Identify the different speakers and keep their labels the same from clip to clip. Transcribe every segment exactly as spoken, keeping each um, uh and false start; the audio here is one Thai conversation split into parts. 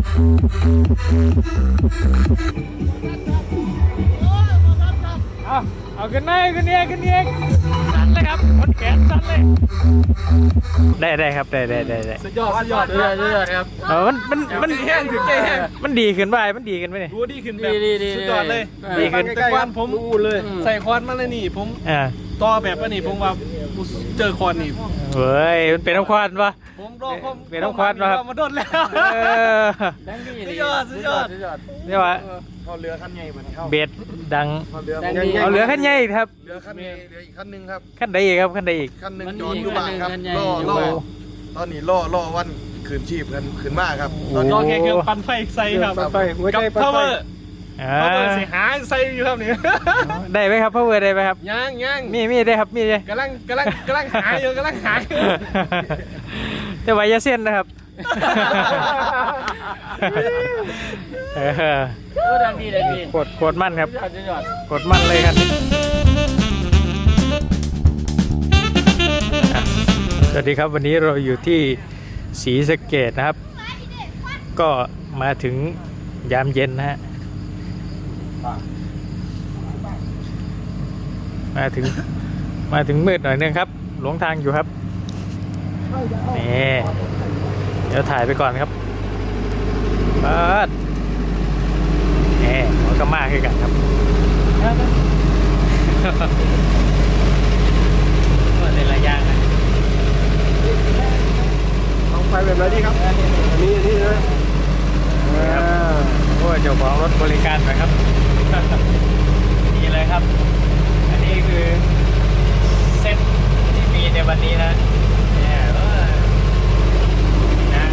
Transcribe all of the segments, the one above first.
Speaker 1: เอาเอาขึ้นเลยขึ้นเองขึ้นเองสั่นเลยครับคนแขนสั่นเลยได้ได้ครับได้ได้ได้ได้
Speaker 2: สุดยอดสุดยอดสุดยอดสุดยอดครับ
Speaker 1: เออมันมันมัน
Speaker 2: แห้งถึงใจแห้ง
Speaker 1: มันดีขึ้นไปมันดีขึ้นไปเนี่ย
Speaker 2: รู้ดีขึ้นแบบสุดยอดเลย
Speaker 1: ดีขึ้น
Speaker 2: แต่ก่อนผมเลยใส่คอนมาเลยนี่ผม
Speaker 1: อ่า
Speaker 2: ต่อแบบนี้ผมว่าเจอคอนนี่
Speaker 1: เฮ้ยมันเป็นน้ำควันปะ
Speaker 2: ผมรอผม
Speaker 1: เป็นน้ำควันปะครับ
Speaker 2: มาโดนแล้ว
Speaker 1: เออ
Speaker 2: สุดยอดสุดยอด
Speaker 1: เรียกว่า
Speaker 3: เขาเรือขั้นใหญ่เหมือนเขา
Speaker 1: เบ็ดดัง
Speaker 3: เขาเรือ
Speaker 1: เอาเหลือขั้นใหญ่อีกครับ
Speaker 3: เรือขั้นนี้เรืออีกขั้นหนึ่งครับ
Speaker 1: ขั้นใดอีกครับขั้นใดอีก
Speaker 3: ขั้นหนึ่งจอดอยู่บ้านครับล่อล่อตอนนี้ล่อล่อวันคืนชีพกันคืนมากครับตอน
Speaker 2: รอ
Speaker 3: นี้
Speaker 2: แค่เครื่องปั่นไฟใส่ครับ
Speaker 3: ไฟหัวใจ
Speaker 2: กับ power
Speaker 1: อ่า
Speaker 2: power สิหาใส่อยู่ครับนี่
Speaker 1: ได้ไหมครับพ่อเวอร์ได้ไหมครับ
Speaker 2: ยังยัง
Speaker 1: มีมีได้ครับมีได้
Speaker 2: กำลังกำลังกำลังหาอยู่กำลังหาอยู่
Speaker 1: แต่ว่าอย่าเส้นนะครับเออ
Speaker 2: ก็ดังดีเลยพี่
Speaker 1: กดกดมั่นครับ
Speaker 2: ยอดยอด
Speaker 1: กดมั่นเลยครับอ่ะสวัสดีครับวันนี้เราอยู่ที่ศรีสะเกษนะครับ ก็มาถึงยามเย็นนะฮะมาถึงมาถึงมืดหน่อยนึงครับหลงทางอยู่ครับนี่เดี๋ยวถ่ายไปก่อนครับเปิดนี่หัวกระมาขึ้นกันครับเปิดในระยะนะ
Speaker 3: ลองไฟแบบไหนดีครับนี่นี่เลย
Speaker 1: โอ้ยเจ้าของรถบริการหน่อยครับ นี่เลยครับ อันนี้คือเซ็ตที่มีในวันนี้นะเนี่ยเออนะ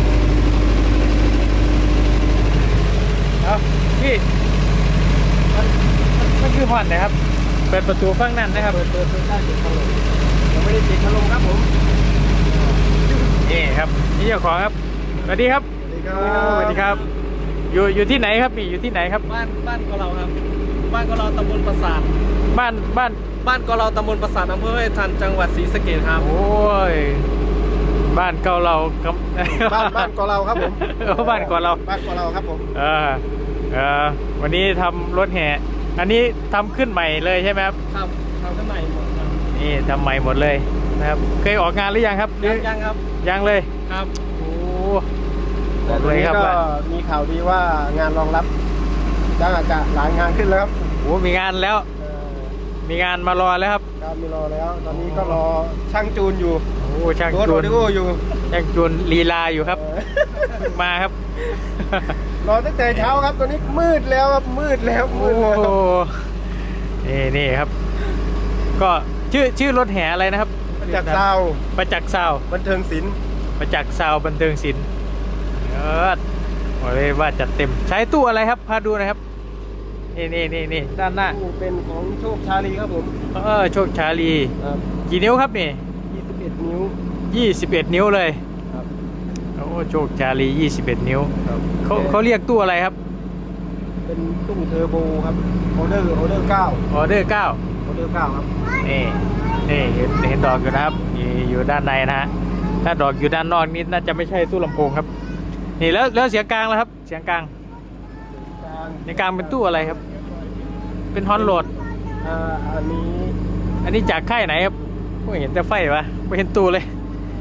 Speaker 1: เอาพี่มันมันมันคือผ่อนนะครับ เปิดประตูฝั่งนั้นนะครับ เปิดประตูได้ติดพัดลมยังไม่ได้ติดพัดลมครับผมนี่ครับนี่เจ้าของครับสวัสดีครับ
Speaker 3: สวัสดีครับ
Speaker 1: สวัสดีครับอยู่อยู่ที่ไหนครับพี่อยู่ที่ไหนครับ
Speaker 2: บ้านบ้านกอเราครับบ้านกอเราตำบลปราสาท
Speaker 1: บ้านบ้าน
Speaker 2: บ้านกอเราตำบลปราสาทอำเภอห้วยทันจังหวัดศรีสะเกษครับ
Speaker 1: โอ้ยบ้านเก่าเราครับ
Speaker 3: บ้านบ้านกอเราครับผม
Speaker 1: เออบ้านเก่าเรา
Speaker 3: บ้านกอเราครับผม
Speaker 1: เออเออวันนี้ทำรถแห่อันนี้ทำขึ้นใหม่เลยใช่ไหมครับ
Speaker 2: ครับทำข้างในหมดครับ
Speaker 1: นี่ทำใหม่หมดเลยนะครับเคยออกงานหรือยังครับ
Speaker 2: ยังยังครับ
Speaker 1: ยังเลย
Speaker 2: ครับ
Speaker 1: โอ้บ
Speaker 3: แต่
Speaker 1: อก
Speaker 3: ตอน
Speaker 1: เลย
Speaker 3: นี้
Speaker 1: ครับ
Speaker 3: ก็
Speaker 1: ว่า
Speaker 3: มีข่าวดีว่างานรองรับจะจะหลายงานขึ้นแล้วครับ
Speaker 1: โอ้มีงานแล้ว
Speaker 3: เอ่อ
Speaker 1: มีงานมารอแล้วครับ
Speaker 3: การมีรอแล้ว ตอนนี้ก็รอช่างจูนอยู่
Speaker 1: โอ้ช่าง
Speaker 3: รถ
Speaker 1: จู
Speaker 3: โอน ดิโออยู่
Speaker 1: ช่างจูนลีลาอยู่ครับ
Speaker 3: เอ่อ
Speaker 1: เพิ่งมาครับ
Speaker 3: รอตั้งแต่เช้าครับตอนนี้มืดแล้วครับมืดแล้วมื
Speaker 1: โอ้
Speaker 3: ดแล้ว
Speaker 1: นี่นี่ครับ ก็ชื่อชื่อรถแห่อะไรนะครับ
Speaker 3: จากซาว
Speaker 1: ประจักษ์ซาว
Speaker 3: บันเทิงศิลป์
Speaker 1: ประจักษ์ซาวบันเทิงศิลป์เออบอกเลยว่าจัดเต็มใช้ตู้อะไรครับพาดูหนะครับ นี่นี่นี่นี่ด้านหน้า
Speaker 3: ตู้เป็นของโชคชาลีครับผม
Speaker 1: เออโชคชาลี
Speaker 3: ครับ
Speaker 1: กี่นิ้วครับนี่
Speaker 3: ยี่สิบเอ็ดนิ้ว
Speaker 1: ยี่สิบเอ็ดนิ้วเลย
Speaker 3: ครับ
Speaker 1: โอ้โชคชาลียี่สิบเอ็ดนิ้ว
Speaker 3: ครับ
Speaker 1: เขาเขาเรียกตู้อะไรครับ
Speaker 3: เป็นตู้เทอร์โบครับออเดอร์ออเดอร์เก้า
Speaker 1: ออเดอร์เก้า
Speaker 3: ออเดอร์เก้าครับ
Speaker 1: นี่นี่เห็นเห็นดอกอยู่นะครับอยู่อยู่ด้านในนะฮะถ้าดอกอยู่ด้านนอกนี่น่าจะไม่ใช่ตู้ลำโพงครับนี่แล้วแล้วเสียงกลางแล้วครับเสียงกลาง
Speaker 3: กลาง
Speaker 1: เสียงกลางเป็นตู้อะไรครับ เป็นฮอนโหลด
Speaker 3: อ่าอันนี้
Speaker 1: อันนี้จากค่ายไหนครับไม่เห็นแต่ไฟวะไม่เห็นตู้เลย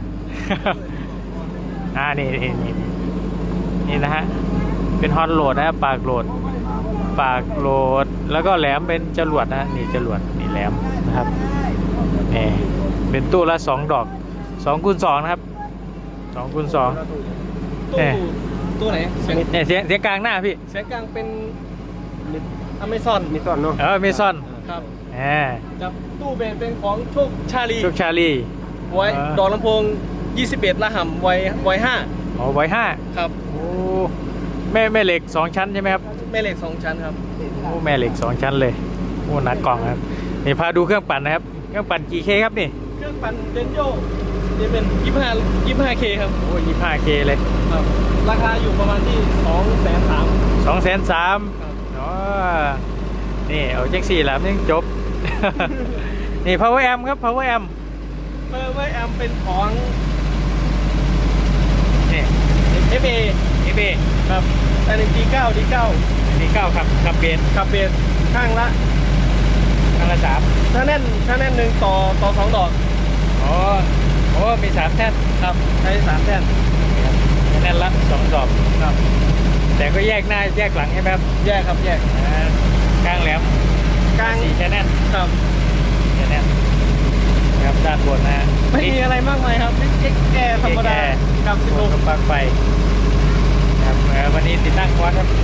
Speaker 1: อ่านี่นี่นี่นี่นะฮะเป็นฮอนโหลดนะครับปากโหลดปากโหลดแล้วก็แหลมเป็นจรวดนะฮะนี่จรวดนี่แหลมนะครับนี่เป็นตู้ละสองดอกสองคูณสองนะครับสองคูณสอง
Speaker 2: ตู้
Speaker 1: เอ๊ะ
Speaker 2: ตู้ไหนเสียง
Speaker 1: เนี่ยเสียงเสียงกลางหน้าพี่
Speaker 2: เสียงกลางเป็นอเมซอน
Speaker 3: มีต้นเนาะ
Speaker 1: เออเมซอน
Speaker 2: ครับ
Speaker 1: แหม
Speaker 2: จับตู้เบนเป็นของโชคชาลี
Speaker 1: โชคชาลี
Speaker 2: ไว้
Speaker 1: อ่า
Speaker 2: ดอกลำโพงยี่สิบเอ็ดละห่ำไว้ไว้ห้า
Speaker 1: อ๋อไว้ห้า
Speaker 2: ครับ
Speaker 1: โอ้แม่แม่เหล็กสองชั้นใช่ไหมครับ
Speaker 2: แม่เหล็กสองชั้นครับ
Speaker 1: โอ้แม่เหล็กสองชั้นเลยโอ้หนักกล่องครับนี่พาดูเครื่องปั่นนะครับเครื่องปั่นกี่เคครับนี่
Speaker 2: เครื่องปั่นเดนโยนี่เป็นยี่สิบห้ายี่สิบห้าเคครับ
Speaker 1: โอ้ยี่ห้าเคเลย
Speaker 2: ครับ ราคาอยู่ประมาณที่สองแสนสาม
Speaker 1: สองแสนสาม
Speaker 2: ครับ
Speaker 1: อ๋อนี่เอาแจ็คสี่แหลมยังจบ นี่ power amp ครับ power amp
Speaker 2: เพิ่มไว้แอมเป็นของ
Speaker 1: นี่
Speaker 2: เอฟเอ
Speaker 1: F เป้
Speaker 2: ครับแต่หนึ่งดีเก้าดีเก้า
Speaker 1: ดีเก้าขับขับเบน
Speaker 2: ขับเบสข้างละ
Speaker 1: ข้างละสาม
Speaker 2: ถ้าแน่นถ้าแน่นหนึ่งต่อต่อสองดอก
Speaker 1: อ๋อโอ้มีสามแท่น
Speaker 2: ครับใช้สามแท่น
Speaker 1: แท่นละสองดอก
Speaker 2: ครับ
Speaker 1: แต่ก็แยกหน้าแยกหลังใช่ไหมครับ
Speaker 2: แยกครับแยก
Speaker 1: อ่ากลางแหลม
Speaker 2: กลาง
Speaker 1: สี่แท่น
Speaker 2: ครับ
Speaker 1: แท่นนะครับด้านบนนะฮะ
Speaker 2: ไม่มีอะไรมากมายครับเอ็กแกธรรมดากับสิบ
Speaker 1: โล
Speaker 2: โล
Speaker 1: กับปลั๊กไฟครับเอ่อวันนี้ติดตั้งคอร์สครับ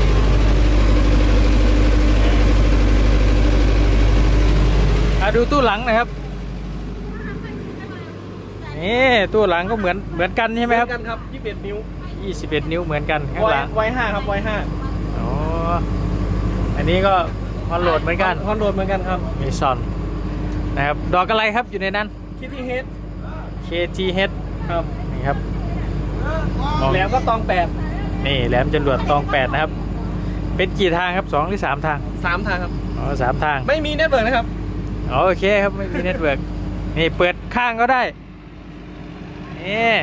Speaker 1: อ่ะดูตู้หลังหนะครับนี่ตู้หลังก็เหมือนเหมือนกันใช่ไหมครับ
Speaker 2: กันครับยี่สิบเอ็ดนิ้ว
Speaker 1: ยี่สิบเอ็ดนิ้วเหมือนกันข้าง
Speaker 2: ไว
Speaker 1: หลัง
Speaker 2: ไวห้าครับไวห้า
Speaker 1: อ๋ออันนี้ก็ฮอนโหลดเหมือนกัน
Speaker 2: คอนโดเหมือนกันครับ
Speaker 1: มีซอนนะครับดอกอะไรครับอยู่ในนั้น
Speaker 2: คิดที่เฮด
Speaker 1: เค ที เอช
Speaker 2: ครับ
Speaker 1: นี่ครับ
Speaker 2: แหลมก็ตองแปด
Speaker 1: นี่แหลมจรวดตองแปดนะครับเป็นกี่ทางครับสองหรือสามทาง
Speaker 2: สามทางครับ
Speaker 1: อ๋อสามทาง
Speaker 2: ไม่มีเน็ตเวิร์กนะครับ
Speaker 1: อ๋อโอเคครับไม่มีเน็ตเวิร์กนี่เปิดข้างก็ได้นี่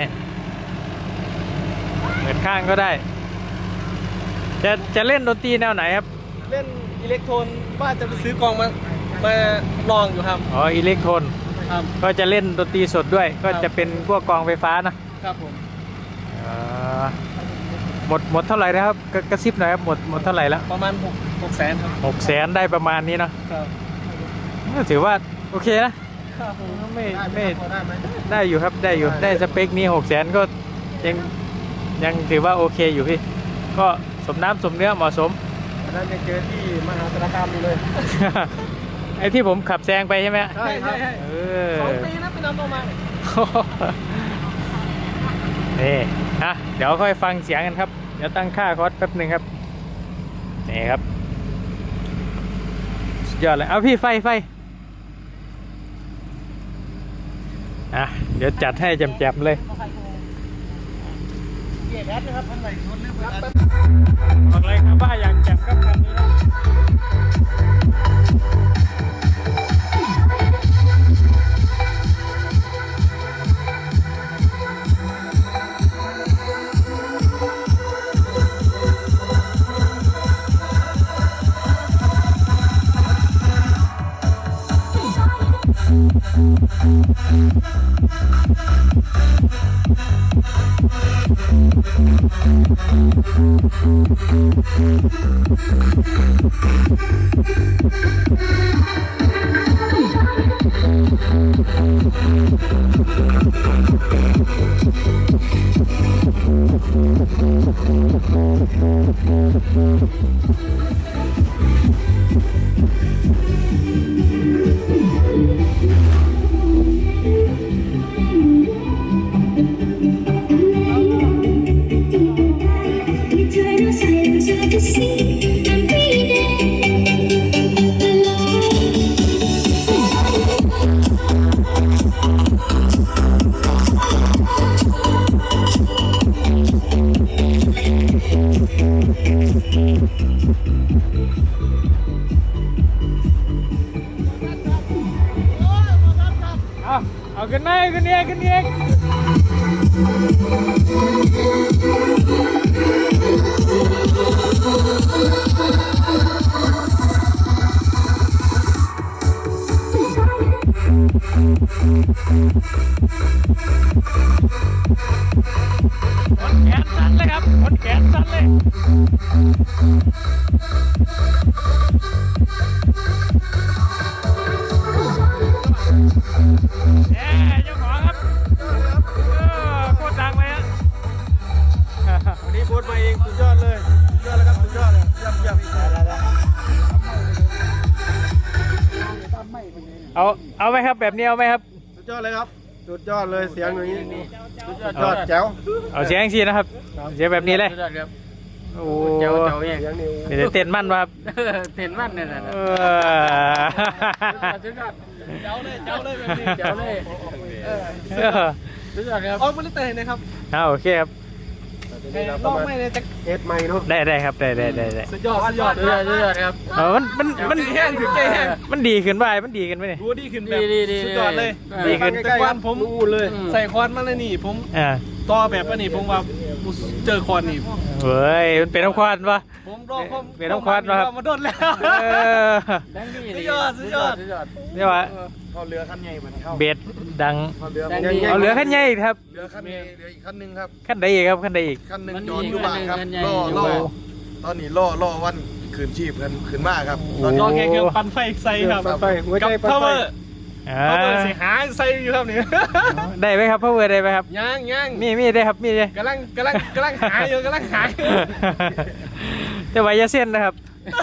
Speaker 1: เปิดข้างก็ได้ จะจะเล่นดนตรีแนวไหนครับ
Speaker 2: เล่นอิเล็กโทรนว่าจะไปซื้อกองมามาลองอยู่ครับ
Speaker 1: อ๋ออิเล็กโทรน
Speaker 2: ครับ
Speaker 1: ก็จะเล่นดนตรีสดด้วย ก็
Speaker 2: ครับ
Speaker 1: จะเป็นพวกกองไฟฟ้านะครับ
Speaker 2: ผม
Speaker 1: อ่าหมดหมดเท่าไหร่นะครับกระกระซิบหน่อยครับหมดหมดเท่าไหร่แล้ว
Speaker 2: ประมาณหกหกแสนครับ
Speaker 1: หกแสนได้ประมาณนี้เนอะ
Speaker 2: ครับ
Speaker 1: ก็ถือว่าโอเคนะ
Speaker 2: ครับผม
Speaker 1: ไม่ไม่
Speaker 3: ได้ไหม
Speaker 1: ได้อยู่ครับได้อยู่ได้สเปคนี้หกแสนก็ยังยังถือว่าโอเคอยู่พี่ ก็สมน้ำสมเนื้อเหมาะสม
Speaker 3: วันนั้นยังเจอที่มหาสารคามอยู่เลย
Speaker 1: ไอ้ที่ผมขับแซงไปใช่ไหม
Speaker 2: ใช่ใช่ใช่
Speaker 1: เออ
Speaker 2: สองปีนะไปนำตัวมา
Speaker 1: นี่อ่ะเดี๋ยวค่อยฟังเสียงกันครับ เดี๋ยวตั้งค่าคอร์สแป๊บหนึ่งครับ นี่ครับสุดยอดเลย เอาพี่ไฟไฟอ่ะเดี๋ยวจัดให้แจ่มๆเลย
Speaker 2: เกียร์แอดนะครับท่านไหนชนเรื่องครับ
Speaker 1: บอกเลยครับว่าอย่างแจ่มกับคันนี้นะเอาเอาขึ้นมาขึ้นเอียกขึ้นเอียกคนแขนสั่นเลยครับคนแขนสั่นเลยเอ๊ะเจ้าของครับเออโคตรดังเลยฮะ
Speaker 3: วันนี้โพสต์มาเองสุดยอดเลยสุดยอดเลยครับสุดยอดเลยเยี่ยมเยี่ยม
Speaker 1: เอาเอาไหมครับแบบนี้เอาไหมครับ
Speaker 3: สุดยอดเลยครับสุดยอดเลยเสียงอย่างนี้สุดยอดยอดแจ๋ว
Speaker 1: เอาเสียงสีนะครับเสียงแบบนี้เลย
Speaker 2: สุดยอดครับ
Speaker 1: โอ้
Speaker 2: เจ้าเจ้าเอง
Speaker 3: เสียงนี่
Speaker 1: เดี๋ยวเต้นมั่นวะครับ
Speaker 2: เห็นมันเนี่ยนะ
Speaker 1: เออ
Speaker 2: สุดยอดเจ้าเลยเจ้าเลยแบบนี้เจ้าเลยเออ
Speaker 1: เออ
Speaker 2: สุดยอดครับออกมาลิเตอร์นะครับ
Speaker 1: เอาโอเคครับ
Speaker 2: ลองไม่เลยจะ
Speaker 3: เอ็ดไม่เนาะ
Speaker 1: ได้ได้ครับได้ได้ได้ได้
Speaker 2: สุดยอดสุดยอดสุดยอดสุดยอดครับ
Speaker 1: เออมันมันมัน
Speaker 2: แห้งถึงใจแห้ง
Speaker 1: มันดีขึ้นไปมันดีขึ้นไปเนี่ย
Speaker 2: ดูดีขึ้นแบบ
Speaker 4: ดีดี
Speaker 2: สุดยอดเลย
Speaker 1: ดีขึ้น
Speaker 2: แต่ก่อนผม
Speaker 3: นู่นเลย
Speaker 2: ใส่คอนมาเลยนี่ผม
Speaker 1: อ่า
Speaker 2: ต่อแบบว่านี่ผมว่าโมเจอคอนนี่
Speaker 1: เฮ้ยมันเป็นน้ำควันปะ
Speaker 2: ผมรอความ
Speaker 1: เป็นน้ำควันนะครับ
Speaker 2: มาโดนแล้ว
Speaker 1: เออ
Speaker 2: สุดยอดสุดยอดสุดยอด
Speaker 1: เรียกว่า
Speaker 3: เขาเรือขั้นใหญ่เหมือนเขา
Speaker 1: เบ็ดดัง
Speaker 3: เขาเรือ
Speaker 2: แดง
Speaker 3: ใหญ่
Speaker 2: ดี
Speaker 1: เอาเหลือขั้นใหญ่อีกครับ
Speaker 3: เรือขั้นใหญ่เรืออีกขั้นหนึ่งครับ
Speaker 1: ขั้นใดอีกครับขั้นใดอีก
Speaker 3: ขั้นหนึ่ง
Speaker 2: มันมี
Speaker 3: จอดอยู่บ้านครับ
Speaker 2: ขั้นใหญ่
Speaker 3: ล่อ
Speaker 2: อยู่
Speaker 3: ล่อ
Speaker 2: บ้าน
Speaker 3: ตอนนี้ล่อล่อวันคืนชีพกันคืนมาครับตอน
Speaker 2: ร
Speaker 3: นี้
Speaker 2: อแค่เครื่องปั่นไฟใส่ครับ
Speaker 3: ปั่นไฟหัวใจ
Speaker 2: กับ
Speaker 3: ปั่นไฟ
Speaker 2: power
Speaker 1: อ่า
Speaker 2: power สิหาใส่อยู่ครับนี่
Speaker 1: ได้ไหมครับพ่อเวอร์ได้ไหมครับ
Speaker 2: ยังยัง
Speaker 1: มีมีได้ครับมีได้
Speaker 2: กำลังกำลังกำลังหาอยู่กำลังหาอยู่
Speaker 1: แต่ไว้อยาเส้นนะครับ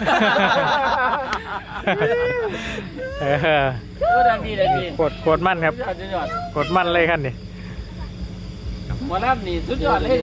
Speaker 1: เออ
Speaker 2: ก็ดังดีเลยดี
Speaker 1: กดกดมั่นครับ
Speaker 2: สุดยอดสุดยอด
Speaker 1: กดมั่นเลยขั้นนี้
Speaker 2: หมอลำนี่สุดยอดเลย